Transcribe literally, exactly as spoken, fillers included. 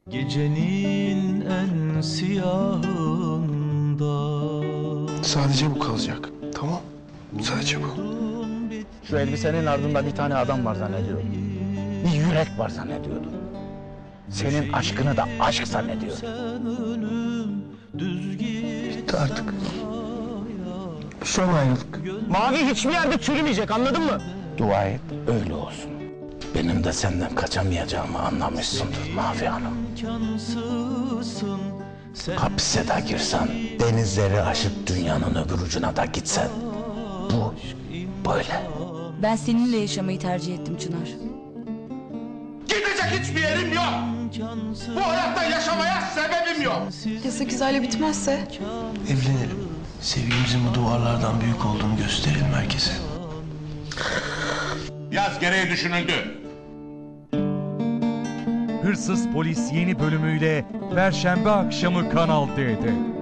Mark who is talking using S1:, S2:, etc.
S1: Gecenin en siyahında
S2: Sadece bu kalacak. Tamam. Sadece bu.
S3: Şu elbisenin ardında bir tane adam var zannediyordum. Bir yürek var zannediyordum. Senin aşkını da aşk zannediyordum.
S2: Bitti artık. Son ayrılık.
S3: Mavi hiçbir yerde çürümeyecek, anladın mı? Dua et öyle olsun. Benim de senden kaçamayacağımı anlamışsındır Mavi Hanım. Hapse de girsen, denizleri aşıp dünyanın öbür ucuna da gitsen, bu böyle.
S4: Ben seninle yaşamayı tercih ettim Çınar.
S5: Gidecek hiçbir yerim yok. Bu hayatta yaşamaya sebebim yok.
S6: Ya sekiz ayla bitmezse?
S2: Evlenelim. Sevgimizin bu duvarlardan büyük olduğunu gösterelim herkese.
S5: Yaz gereği düşünüldü.
S7: Hırsız Polis yeni bölümüyle Perşembe akşamı Kanal D'de.